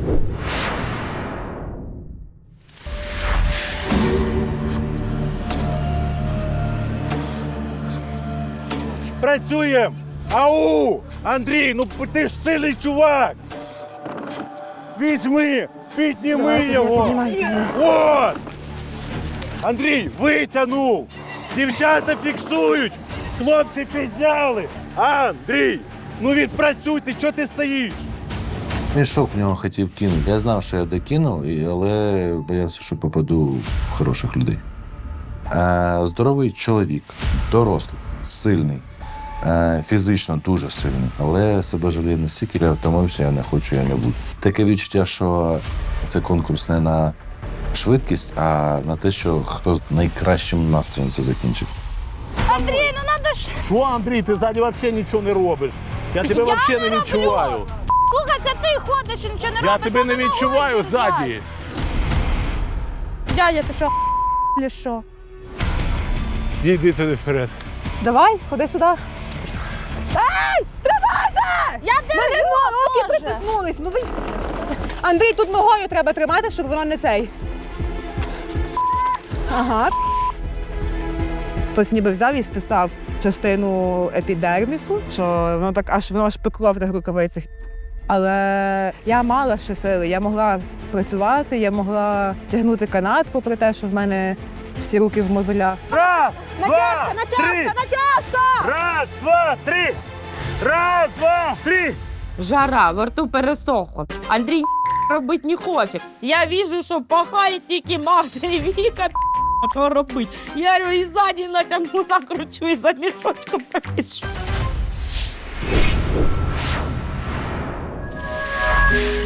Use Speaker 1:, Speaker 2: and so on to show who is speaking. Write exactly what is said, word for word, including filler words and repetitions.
Speaker 1: Працюємо! Ау! Андрій, ну ти ж сильний чувак! Візьми, підніми його! От! Андрій, витягнув! Дівчата фіксують! Хлопці підняли! Андрій, ну відпрацюй, чого ти стоїш?
Speaker 2: Мішок в нього хотів кинути. Я знав, що я докинув, і- але боявся, що попаду в хороших людей. Е, здоровий чоловік, дорослий, сильний, е, фізично дуже сильний, але себе жаліє настільки, я втомився, я не хочу, я не буду. Таке відчуття, що це конкурс не на швидкість, а на те, що хто з найкращим настроєм це закінчить.
Speaker 3: Андрій, ну надо ж...
Speaker 1: Що, Андрій, ти ззаді взагалі нічого не робиш? Я тебе
Speaker 3: Я
Speaker 1: взагалі
Speaker 3: не
Speaker 1: не відчуваю.
Speaker 3: роблю. Слухай, це ти ходиш і нічого не робиш.
Speaker 1: Я тебе не
Speaker 3: треба
Speaker 1: відчуваю
Speaker 3: ногою держати.
Speaker 1: ззаді.
Speaker 4: Дядя, ти що, чи що?
Speaker 1: Іди туди вперед.
Speaker 5: Давай, ходи сюди.
Speaker 3: Я
Speaker 5: Мене
Speaker 3: держу,
Speaker 5: руки
Speaker 3: Боже.
Speaker 5: притиснулись. Ну ви... Андрій, тут ногою треба тримати, щоб воно не цей. Ага. Хтось ніби взяв і стисав частину епідермісу, що воно так аж воно аж пекло в тих рукавицях. Але я мала ще сили, я могла працювати, я могла тягнути канат, попри те, що в мене всі руки в мозолях.
Speaker 1: Раз,
Speaker 5: Натяжка,
Speaker 1: два,
Speaker 5: натяжка,
Speaker 1: три.
Speaker 5: натяжка!
Speaker 1: Раз, два, три. Раз, два, три.
Speaker 4: Жара, во рту пересохло. Андрій робити не хоче. Я вижу, що пахає тільки Магда і Віка. Що робити? Я говорю, і ззаді натягну, накручу, і за мішочком побіжу.